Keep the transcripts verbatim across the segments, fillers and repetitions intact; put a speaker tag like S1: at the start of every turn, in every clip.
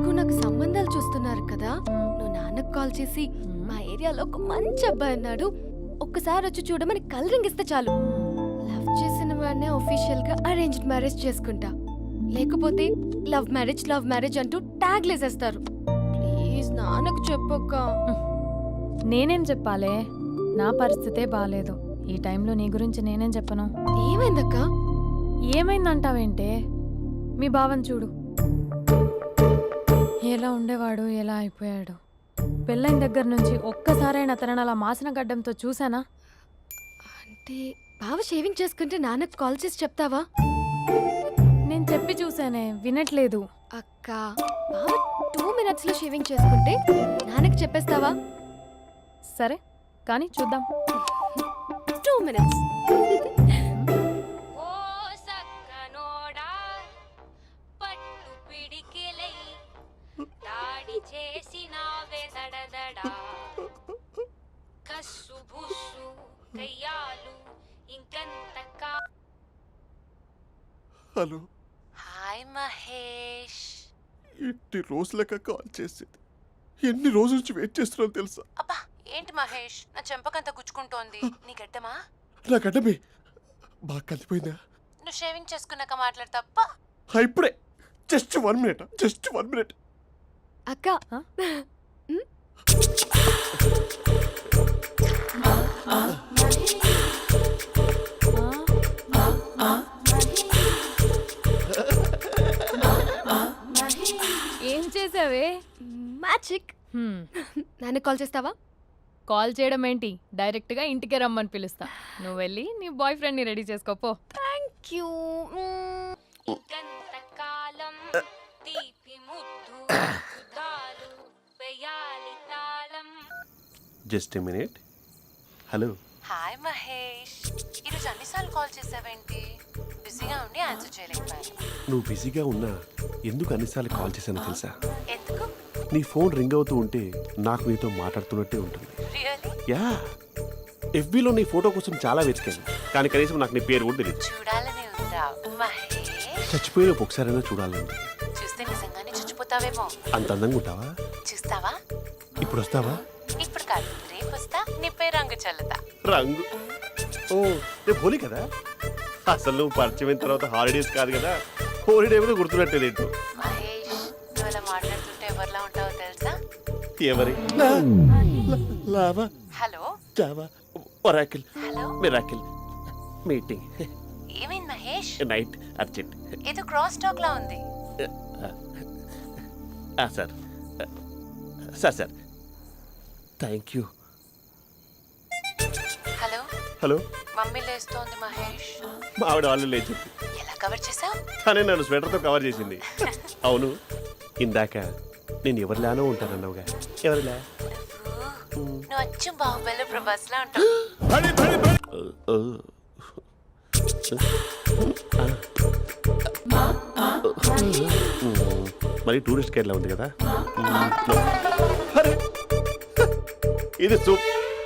S1: ఎలాగో నాకు సంబంధాలు చూస్తున్నారు కదా, నువ్వు నాన్నకు కాల్ చేసి మా ఏరియాలో ఒక మంచి అబ్బాయి అన్నాడు, ఒక్కసారి వచ్చి చూడమని కలరింగ్ ఇస్తే చాలు. లవ్ చేసిన వాడినే ఒఫీషియల్ గా అరేంజ్డ్ మ్యారేజ్ చేసుకుంటా. లేకపోతే లవ్ మ్యారేజ్ లవ్ మ్యారేజ్ అంటూ ట్యాగ్ లేసేస్తారు. ప్లీజ్ నాన్నకు చెప్పక్క.
S2: నేనేం చెప్పాలే, నా పరిస్థితే బాలేదు. ఈ టైంలో నీ గురించి నేనేం చెప్పను.
S1: ఏమైందక్క?
S2: ఏమైందంటావేంటే, మీ భావం చూడు, ఎలా ఉండేవాడు ఎలా అయిపోయాడు. పెళ్ళైన దగ్గర నుంచి ఒక్కసారైనా తనని అలా మాసిన గడ్డంతో చూసానా?
S1: అంటే బావ షేవింగ్ చేసుకుంటే నాన్నకు కాల్ చేసి చెప్తావా?
S2: నేను చెప్పి చూసానే, వినట్లేదు.
S1: అక్క, బావ టూ మినిట్స్ లో షేవింగ్ చేసుకుంటే నాన్నకు చెప్పేస్తావా?
S2: సరే కానీ చూద్దాం.
S1: Two minutes.
S3: Hello.
S4: Hi Mahesh.
S3: ఎన్ని రోజులక కాల్ చేసేది, ఎన్ని రోజుల నుంచి వెయిట్ చేస్తున్నాను తెలుసా?
S4: అబ్బా ఏంటి మహేష్, నా చెంపకంత గుచ్చుకుంటోంది. నీ గడ్డమా?
S3: నా గడ్డమే బాగా కలిపోయిందా?
S4: నువ్వు షేవింగ్ చేసుకున్నాక మాట్లాడు తప్ప.
S3: ఇప్పుడే just one minute just one minute
S1: అక్క,
S2: ఏం చేసావే?
S1: మ్యాజిక్. నాన్న కాల్ చేస్తావా?
S2: కాల్ చేయడం ఏంటి, డైరెక్ట్ గా ఇంటికే రమ్మని పిలుస్తా. నువ్వు వెళ్ళి నీ బాయ్ ఫ్రెండ్ ని రెడీ చేసుకోపో.
S1: Thank you.
S3: Just a minute. Hello.
S4: Hi Mahesh, ఈరోజు అన్నిసార్లు కాల్ చేసావేంటి? బిజీగా ఉండి ఆన్సర్ చేయలేకపోయాను.
S3: నువ్వు బిజీగా ఉన్నా ఎందుకు అన్నిసార్లు కాల్ చేశానో తెలుసా?
S4: ఎందుకు?
S3: నీ ఫోన్ రింగ్ అవుతూ ఉంటే నాకు నీతో మాట్లాడుతున్నట్టే ఉంటుంది.
S4: రియల్లీ?
S3: యా, ఎఫ్బీలో నీ ఫోటో కోసం చాలా వెతికాను, కానీ కనీసం నాకు నీ పేరు కూడా తెలియదు.
S4: చూడాలని ఉందా మహేష్?
S3: చచ్చిపోయిన ఒకసారైనా చూడాలండి.
S4: చూస్తే నిజంగానే చచ్చిపోతావేమో.
S3: అంత అందంగా ఉంటావా?
S4: చూస్తావా?
S3: ఇప్పుడు వస్తావా?
S4: ఇప్పుడు కాదు, రేపు వస్తా. నీపై రంగు చల్లుతా.
S3: రంగు? ఓ, రేపు హోలీ కదా. అసలు నువ్వు పరిచయం తర్వాత హాలిడేస్ కాదు కదా, హోలిడే కూడా గుర్తున్నట్లేదు ఏంటో.
S4: మహేష్, నువ్వు అలా మాట్లాడుతుంటే ఎవరిలా ఉంటావో తెలుసా?
S3: ఎవరి? Lava,
S4: hello,
S3: Java, Oracle,
S4: hello,
S3: miracle, meeting,
S4: ఏమైంది మహేష్?
S3: Night, urgent.
S4: ఏదో క్రాస్ టాక్ లా ఉంది.
S3: Sir sir sir thank you.
S4: Hello
S3: hello.
S4: Mummy లేస్తోంది మహేష్.
S3: మా ఆవిడ వాళ్ళు లేచి
S4: ఎలా కవర్ చేసావు?
S3: తనే నన్ను స్వెటర్తో కవర్ చేసింది. అవును, ఇందాక నేను ఎవరిలానో ఉంటానన్నావుగా, ఎవరిలా?
S4: నువ్వు అచ్చం బాహుబలి ప్రభాస్ లా ఉంటావు.
S3: మరి టూరిస్ట్ గైడ్లా ఉంది కదా. ఇది సూప్.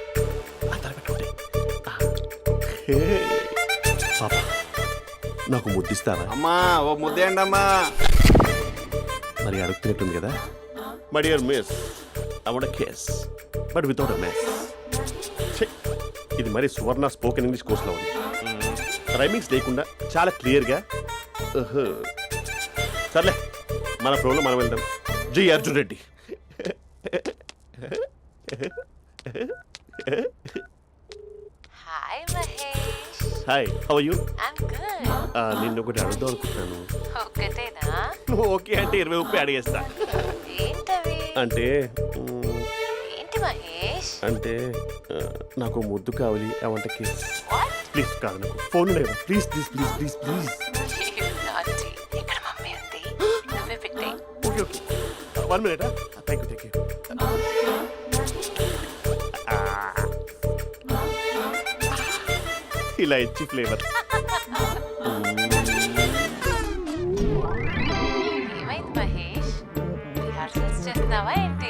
S3: పాపా, నాకు ముద్దిస్తావా?
S5: అమ్మా ఓ ముద్దేయండి అమ్మా.
S3: మరి అడుగుతున్నట్టుంది కదా. My dear miss, I want a kiss but without a miss. ఇది మరి సువర్ణ స్పోకెన్ ఇంగ్లీష్ కోర్సులో ఉంది, రైమింగ్స్ లేకుండా చాలా క్లియర్గా. సర్లే, మన ప్రోలో మనం వెళ్దాం. జి Arjun Reddy.
S4: Hi Mahesh.
S3: Hi, how are you?
S4: I'm good.
S3: నిన్ను ఒకటి అడుగుదాం అనుకుంటున్నాను.
S4: ఒక్కటేనా?
S3: నువ్వు ఓకే అంటే ఇరవై ముప్పై అడిగేస్తా.
S4: ఏంటవి?
S3: అంటే మ్,
S4: ఏంటి మహేష్?
S3: అంటే ఆ, నాకు ముద్దు కావాలి. I want a kiss.
S4: What?
S3: Please కాదు, నాకు ఫోన్ లేదు. Please please please please please.
S4: Naughty ఇక్కడ మమ్మీ ఉంది, నువ్వే పెట్టే.
S3: Okay okay, one minute. Thank you thank you. ఇలా ఇచ్చి ఫ్లేవర్.
S4: ఏమైంది మహేష్, రిహార్సల్స్ చేస్తున్నావా ఏంటి?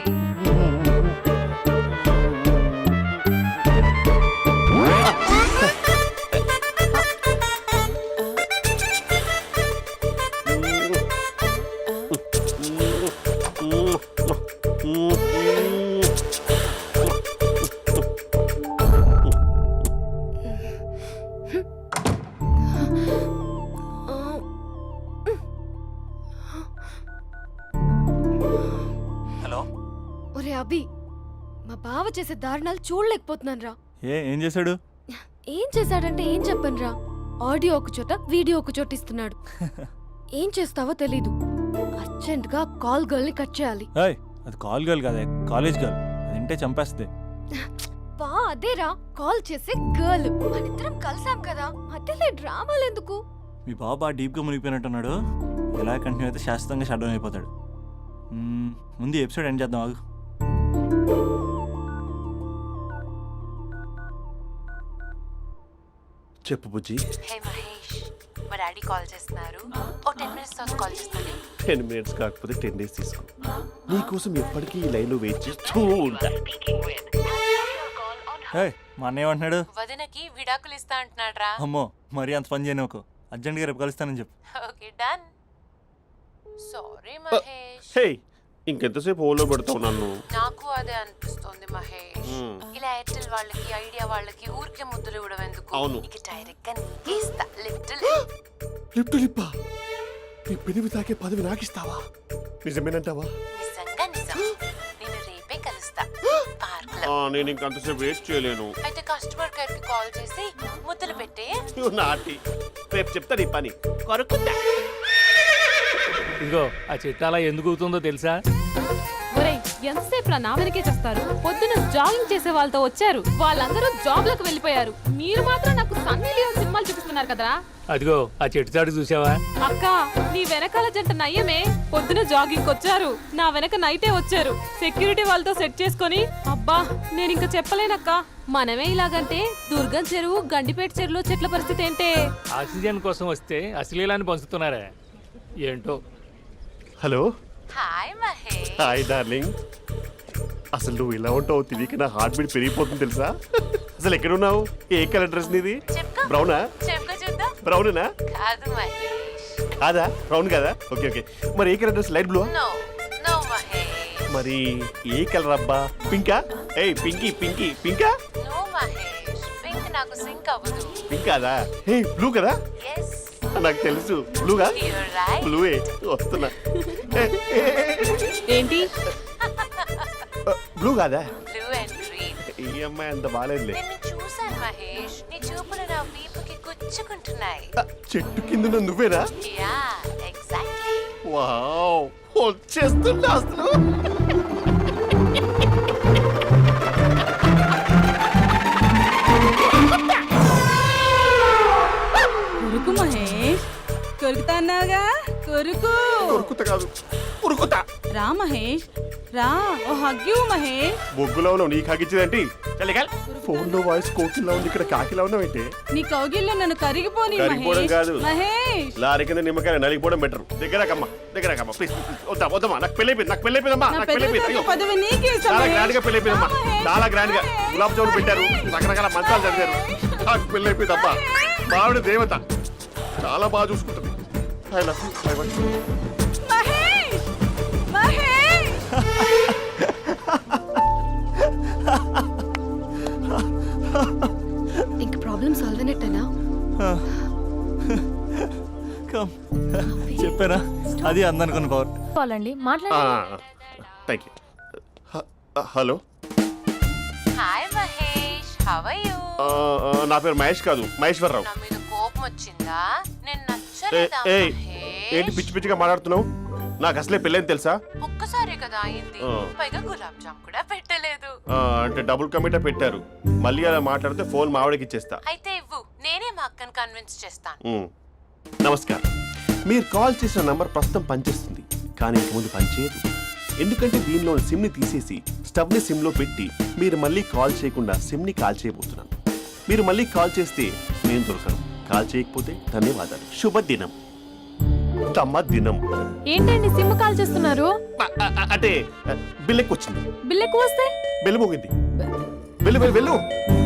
S1: ఒరే అభి, మా బావ చేసే దారుణాలు చూడలేకపోతున్నాను రా.
S5: ఏ ఏం చేశాడు?
S1: ఏం చేశాడంటే ఏం చెప్పను రా. ఆడియో ఒక చోట వీడియో ఒక చోట ఇస్తున్నాడు. ఏం చేస్తావో తెలీదు. అర్జెంట్ గా కాల్ గర్ల్ ని కట్ చేయాలి.
S5: ఏయ్, అది కాల్ గర్ల్ కాదే, కాలేజ్ గర్ల్. అది వింటే చంపేస్తుంది.
S1: బా అదేరా కాల్ చేసే గర్ల్. మనిద్దరం కలిసాం కదా, మధ్యలో డ్రామాలు ఎందుకు?
S5: మీ బాబు బాగా డీప్గా మునిగిపోయినట్టున్నాడు. ఎలా కంటిన్యూ అయితే శాశ్వతంగా షట్ డౌన్ అయిపోతాడు. మ్మ్, ముందు ఎపిసోడ్ ఎండ్ చేద్దాం ఆగు.
S3: చెప్పు బుజ్జి.
S4: హే మహేష్, మా డాడీ కాల్ చేస్తున్నారు. ఓ టెన్ మినిట్స్ తర్వాత కాల్ చేస్తాను.
S3: టెన్ మినిట్స్ కాకపోతే టెన్ డేస్ తీసుకో. నీకోసం ఎప్పటికీ ఈ లైన్లో వెయిట్ చేస్తూ ఉంటా.
S5: ఏయ్, మా అన్నయ్య ఏమంటున్నాడు?
S4: వదినకి విడాకులు ఇస్తా అంటున్నాడు రా.
S5: అమ్మో, మరీ అంత పని చేయను. ఒక అర్జెంట్గా రేపు కలుస్తానని చెప్పు.
S4: Okay done. Sorry Mahesh.
S3: Hey, ఇంకెంతసేపు హోల్లో పెడతావు నన్ను?
S4: నాకు అదే అనిపిస్తుంది మహేష్. ఇలా ఎయిర్టెల్ వాళ్ళకి ఐడియా వాళ్ళకి ఊరికే ముద్దులు ఇవ్వడం ఎందుకు?
S3: అవును.
S4: ఇక డైరెక్ట్ గా నీకే ఇస్తా. లిటిల్
S3: లిప్టు లిప్పా, నీ పెనివి తాకే పదవి నాకిస్తావా? నిజమేనంటావా?
S4: నిజంగా నిజం. నేను రేపే కలుస్తా పార్క్ లో.
S3: ఆ, నేను ఇంకంతసేపు వెయిట్ చేయలేను.
S4: అయితే కస్టమర్ కేర్ కి కాల్ చేసి ముద్దులు పెట్టే.
S3: నువ్వు నాటి, రేపు చెప్తా నీ పని. కొరుకుంటా.
S6: ఇదిగో ఆ చిట్టాలా ఎందుకు అవుతుందో తెలుసా?
S2: ఒరేయ్, ఎంతసేపు రా నా వెనకే చేస్తారు? పొద్దున జాగింగ్ చేసే వాళ్ళతో వచ్చారు, వాళ్ళందరూ జాబ్ లకు వెళ్ళిపోయారు. మీరు మాత్రం నాకు సన్నీ లియోన్ సినిమాలు చూపిస్తున్నారు కదరా.
S6: అదిగో ఆ చెట్టు చాటు చూసావా?
S2: అక్క, నీ వెనకాల జంట నయ్యమే. పొద్దున జాగింగ్ వచ్చారు, నా వెనక నైటే వచ్చారు. సెక్యూరిటీ వాళ్ళతో సెట్ చేసుకొని, అబ్బా నేను ఇంకా చెప్పలేనక్క. మనమే ఇలాగంటే దుర్గం చెరువు, గండిపేట చెరువులో చెట్ల పరిస్థితి ఏంటే?
S6: ఆక్సిజన్ కోసం వస్తే అశ్లీలాన్ని పంచుతున్నారా ఏంటో.
S3: Hello.
S4: Hi Mahesh.
S3: Hi darling. అసలు నువ్వు ఇలా ఉంటావు తెలియక నా హార్ట్ బీట్ పెరిగిపోతుంది తెలుసా? అసలు ఎక్కడున్నావు? ఏ కలర్ డ్రెస్ నీది?
S4: చెప్పుకో.
S3: బ్రౌనా?
S4: చెప్పుకో చూద్దాం.
S3: బ్రౌనేనా?
S4: కాదు మహేష్.
S3: కాదా? బ్రౌన్ కదా? Okay okay. మరి ఏ colour dress? Light blue?
S4: No no Mahesh.
S3: మరి ఏ కలర్ అబ్బా? పింకా? ఏయ్ పింకీ పింకీ పింకా?
S4: నో మహేష్, పింక్ నాకు సింక్ అవ్వదు.
S3: పింక్ కాదా? ఏ బ్లూ కదా?
S4: ఎస్
S3: నాకు తెలుసు. బ్లూగా?
S4: You're right.
S3: బ్లూవే వస్తున్నా.
S2: ఏంటి?
S3: బ్లూ కాదా?
S4: Blue and green.
S3: ఈ అమ్మాయి అంత బాగాలేదులే.
S4: నిన్ను చూశాను మహేష్, నీ చూపులు నా వీపుకి గుచ్చుకుంటున్నాయి.
S3: చెట్టు కింద నువ్వేనా?
S4: Yeah exactly.
S3: వావ్, వచ్చేస్తున్నా అసలు.
S7: కొరుకు మహేష్, కొరుకుతా అన్నావుగా, కొరుకు.
S3: ఉరుకుతా కాదు, ఉరుకుతా.
S7: రా మహేష్, రా. ఓ హగ్గు మహేష్.
S3: బొగ్గులో ఉన్నావు, నీకు హగిచ్చేదేంటి? ఫోన్ లో వాయిస్ కోకిలా ఉంది, ఇక్కడ కాకిలా ఉన్నావేంటి?
S7: నీ కౌగిల్లో నన్ను కరిగిపోని
S3: కరిగిపోవడం
S7: మహేష్.
S3: కాదు.
S7: మహేష్,
S3: లారీ కింద నిమ్మకాయ నలిగిపోవడం బెటర్. దగ్గరకమ్మా, దగ్గరకమ్మా ప్లీజ్. వద్దా వద్దమ్మా, నాకు పెళ్ళి అయిపోయింది, నాకు పెళ్ళి అయిపోయిందమ్మా,
S7: నా
S3: నాకు పెళ్ళి
S7: పెద్ద
S3: అయిపోయింది. అయ్యో,
S7: పదవి నీకే ఇస్తా
S3: చాలా
S7: మహేష్.
S3: గ్రాండ్ గా పెళ్ళి అయిపోయిందమ్మా,
S7: రా మహేష్.
S3: చాలా గ్రాండ్ గా.
S7: మహేష్.
S3: గులాబ్ జామున్ పెట్టారు, రకరకాల మంచాలు చదివారు. నాకు పెళ్ళి అయిపోయిందమ్మా. మావిడ దేవత, చాలా బాగా చూసుకుంటుంది. I love you, I want you.
S7: Mahesh, Mahesh.
S1: ఇంక ప్రాబ్లం సాల్వ్ అయినట్టేనా?
S5: కమ్, చెప్పారా? అది అందనుకున్న పవర్.
S2: వాళ్ళండి మాట్లాడండి.
S3: Thank you. Hello,
S4: hi Mahesh, how are you?
S3: నా పేరు మహేష్ కాదు, మహేశ్వరరావు.
S4: నా మీద కోపం వచ్చిందా? నేను
S3: ఏ-
S4: నచ్చలేదా
S3: ఏయ్, ఏంటి
S4: మహేష్?
S3: పిచ్చి పిచ్చిగా మాట్లాడుతున్నావు? నాకు అసలే పెళ్ళని తెలుసా?
S4: ఒక్కసారి కదా అయింది,
S3: ఆ.
S4: పైగా గులాబ్ జామ్ కూడా పెట్టలేదు.
S3: ఆ, అంటే డబుల్ కమిటా పెట్టారు. మళ్ళీ అలా మాట్లాడితే ఫోన్ మావిడకి ఇచ్చేస్తా.
S4: అయితే ఇవ్వు, నేనే మా అక్కని కన్విన్స్ చేస్తాను.
S3: ఉమ్. నమస్కారం. మీరు కాల్ చేసిన నంబర్ ప్రస్తుతం పనిచేస్తుంది, కానీ ఇంక ముందు పనిచేయదు. ఎందుకంటే దీనిలో సిమ్ని తీసేసి స్టవ్ని సిమ్లో పెట్టి మీరు మళ్ళీ కాల్ చేయకుండా సిమ్ని కాల్ చేయబోతున్నాను. మీరు మళ్ళీ కాల్ చేస్తే నేను దొరకను, కాల్ చేయకపోతే ధన్యవాదాలు. శుభదినం. తమ దినం.
S2: ఏంటండి సిమ్ కాల్ చేస్తున్నారు?
S3: అ- అ- అంటే బిల్ ఎక్కువ వచ్చింది.
S2: బిల్ ఎక్కువ వస్తే?
S3: బెల్లు మోగింది. వెళ్ళు వెళ్ళు వెళ్ళు.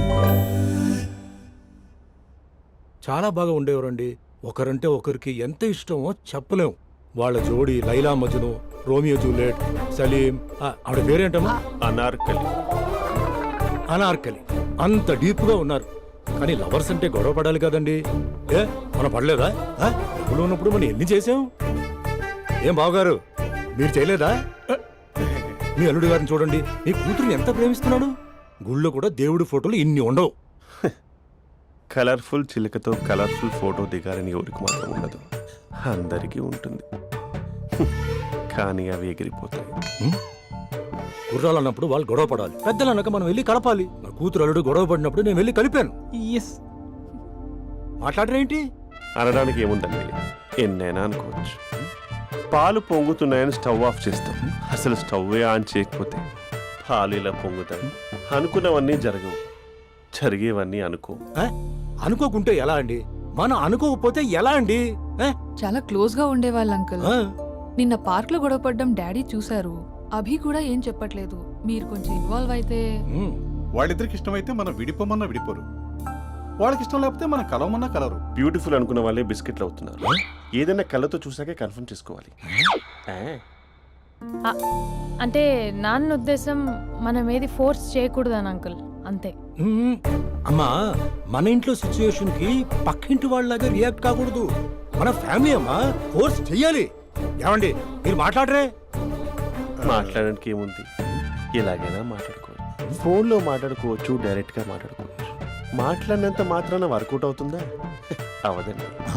S8: చాలా బాగా ఉండేవారండి. ఒకరంటే ఒకరికి ఎంత ఇష్టమో చెప్పలేం. వాళ్ళ జోడి లైలా మజ్ను, రోమియో జూలియట్, సలీం, ఆ, ఆవిడ పేరేంటమ్మా?
S3: అనార్కలి.
S8: అనార్కలి. అంత డీప్ గా ఉన్నారు. కానీ లవర్స్ అంటే గొడవ పడాలి కదండి. ఏ మనం పడలేదా? ఆ, డబ్బులు ఉన్నప్పుడు మనం ఎన్ని చేసాం? ఏం బావగారు, మీరు చేయలేదా? మీ అల్లుడి గారిని చూడండి, మీ కూతురుని ఎంత ప్రేమిస్తున్నాడు. గుళ్ళో కూడా దేవుడి ఫోటోలు ఇన్ని ఉండవు.
S3: కలర్ఫుల్ చిలుకతో కలర్ఫుల్ ఫోటో దిగాలని ఎవరికి మాత్రం ఉండదు, అందరికీ ఉంటుంది. కానీ అవి ఎగిరిపోతాయి.
S8: గుర్రాలు అన్నప్పుడు వాళ్ళు గొడవ పడాలి, పెద్దలు అన్నాక మనం వెళ్ళి కలపాలి. నా కూతురు అల్లుడు గొడవ పడినప్పుడు నేను వెళ్ళి కలిపాను.
S5: ఎస్.
S8: మాట్లాడరేంటి?
S3: అనడానికి ఏముందండి, ఎన్నైనా అనుకోవచ్చు. పాలు పొంగుతున్నాయని స్టవ్ ఆఫ్ చేస్తాం, అసలు స్టవ్వే ఆన్ చేయకపోతే పాలు ఇలా పొంగుతాయి. అనుకున్నవన్నీ జరగవు, జరిగేవన్నీ అనుకో.
S8: ఆ? అనుకోకుంటే ఎలా అండి? మనం అనుకోకపోతే ఎలా అండి? ఆ?
S9: చాలా క్లోజ్ గా ఉండేవాళ్ళు అంకుల్.
S8: ఆ?
S9: నిన్న పార్క్ లో గొడవపడ్డం డాడీ చూశారు. అభి కూడా ఏం చెప్పట్లేదు. మీరు కొంచెం ఇన్వాల్వ్ అయితే.
S8: ఉమ్.
S10: వాళ్ళిద్దరికి ఇష్టమైతే మనం విడిపోమన్నా విడిపోరు, వాళ్ళకి ఇష్టం లేకపోతే మనం కలవమన్నా కలరు.
S3: బ్యూటిఫుల్ అనుకున్న వాళ్ళే బిస్కెట్లు అవుతున్నారు. ఏదైనా కళ్ళతో చూసాకే కన్ఫర్మ్ చేసుకోవాలి. ఆ,
S11: అంటే నాన్న ఉద్దేశం మనం ఏది ఫోర్స్ చేయకూడదని అంకుల్, అంతే.
S8: ఉమ్. అమ్మా, మన ఇంట్లో సిచ్యుయేషన్ కి పక్కింటి వాళ్ళలాగా రియాక్ట్ కాకూడదు. మన ఫ్యామిలీ అమ్మా, ఫోర్స్ చెయ్యాలి. ఏమండి మీరు మాట్లాడరే?
S3: మాట్లాడడానికి ఏముంది, ఎలాగైనా మాట్లాడుకోవచ్చు. ఫోన్లో మాట్లాడుకోవచ్చు, డైరెక్ట్గా మాట్లాడుకోవచ్చు. మాట్లాడినంత మాత్రాన వర్కౌట్ అవుతుందా? అవదండి.